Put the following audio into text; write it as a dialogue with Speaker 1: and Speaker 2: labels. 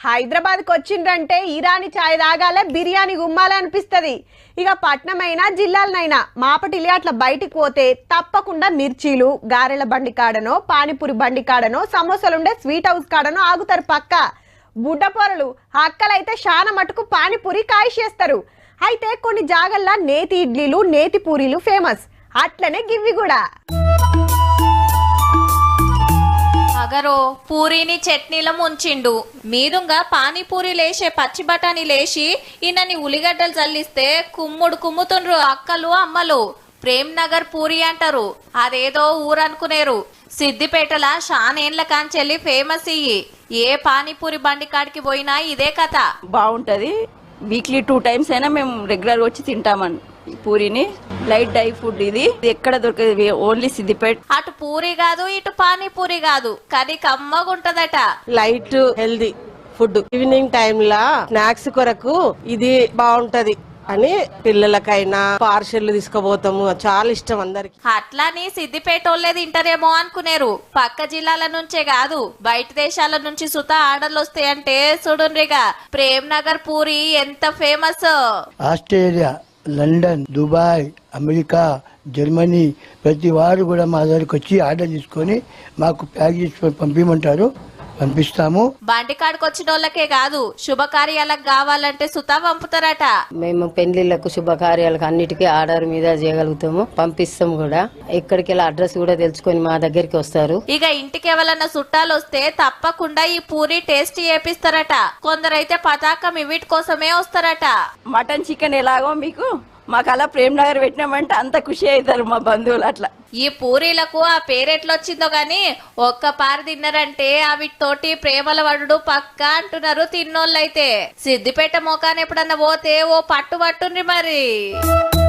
Speaker 1: హైదరాబాద్కి వచ్చిండ్రంటే ఇరానీ చాయ్ తాగాలే, బిర్యానీ గుమ్మాలే అనిపిస్తుంది. ఇక పట్నమైనా జిల్లాలనైనా మాపటిలి అట్లా బయటికి పోతే తప్పకుండా మిర్చీలు, గారెల బండి కాడనో, పానీపూరి బండి కాడనో, సమోసాలుండే స్వీట్ హౌస్ కాడనో ఆగుతారు పక్క. బుడ్డపొరలు అక్కలైతే శాన మటుకు పానీపూరి కాయిషేస్తారు. అయితే కొన్ని జాగల్లా నేతి ఇడ్లీలు, నేతి పూరీలు ఫేమస్. అట్లనే గివ్వి కూడా.
Speaker 2: అగరో పూరీని చట్నీలో ముంచిండు, మీదుంగా పానీపూరి లేసే పచ్చి బఠానీ లేచి ఇన్నని ఉల్లిగడ్డలు చల్లిస్తే కుమ్ముడు కుమ్ముతుండ్రు అక్కలు అమ్మలు. ప్రేమ్ నగర్ పూరి అంటారు, అదేదో ఊరనుకునేరు. సిద్దిపేటల షానేండ్ల కాంచెల్లి ఫేమస్ ఇయ్యి. ఏ పానీపూరి బండి కాడికి పోయినా ఇదే కథ.
Speaker 3: బాగుంటది. వీక్లీ 2 times అయినా మేము రెగ్యులర్ వచ్చి తింటామని పూరిని. లైట్ డై ఫుడ్ ఇది ఎక్కడ దొరకదు, ఓన్లీ సిద్దిపేట.
Speaker 2: అటు పూరి కాదు ఇటు పానీపూరి కాదు, కానీ కమ్మగుంటదట.
Speaker 4: Light healthy food evening time లా స్నాక్స్ కొరకు ఇది బాగుంటది అని పిల్లలకైనా పార్సెల్ తీసుకుపోతాము. చాలా ఇష్టం అందరికి.
Speaker 2: అట్లాని సిద్దిపేట వాళ్ళే తింటారేమో అనుకునేరు. పక్క జిల్లాల నుంచే కాదు బయట దేశాల నుంచి సుతా ఆర్డర్లు వస్తాయంటే చూడుండ్రిగా. ప్రేమ్ నగర్ పూరి ఎంత famous.
Speaker 5: Australia, London, Dubai, America, Germany ప్రతి వారు కూడా మా దగ్గరికి వచ్చి ఆర్డర్ తీసుకొని మాకు ప్యాక్ చేసి పంపించమంటారు, పంపిస్తాము.
Speaker 2: బండికాడికి వచ్చిన వాళ్ళకే కాదు శుభకార్యాలకు కావాలంటే సుతా పంపుతారట.
Speaker 6: మేము పెళ్లిళ్లకు, శుభకార్యాలకు అన్నిటికీ ఆర్డర్ మీద చేయగలుగుతాము, పంపిస్తాము కూడా. ఎక్కడికి వెళ్ళి అడ్రస్ కూడా తెలుసుకొని మా దగ్గరికి వస్తారు.
Speaker 2: ఇక ఇంటికి ఎవరన్నా చుట్టాలు వస్తే తప్పకుండా ఈ పూరి టేస్ట్ చేపిస్తారట. కొందరైతే పతాకం ఇవిటి కోసమే వస్తారట.
Speaker 3: మటన్ చికెన్ ఎలాగో మీకు మాకు అలా ప్రేమ్ నగర్ పెట్టినామంటే అంత ఖుషి అవుతారు మా బంధువులు. అట్లా
Speaker 2: ఈ పూరీలకు ఆ పేరెట్లొచ్చిందో గాని ఒక్క పారి తిన్నారంటే అవితోటి ప్రేమల వడుడు పక్క అంటున్నారు తిన్నోళ్ళైతే. సిద్దిపేట మోకాన్ని ఎప్పుడన్నా పోతే ఓ పట్టు పట్టుండ్రి మరి.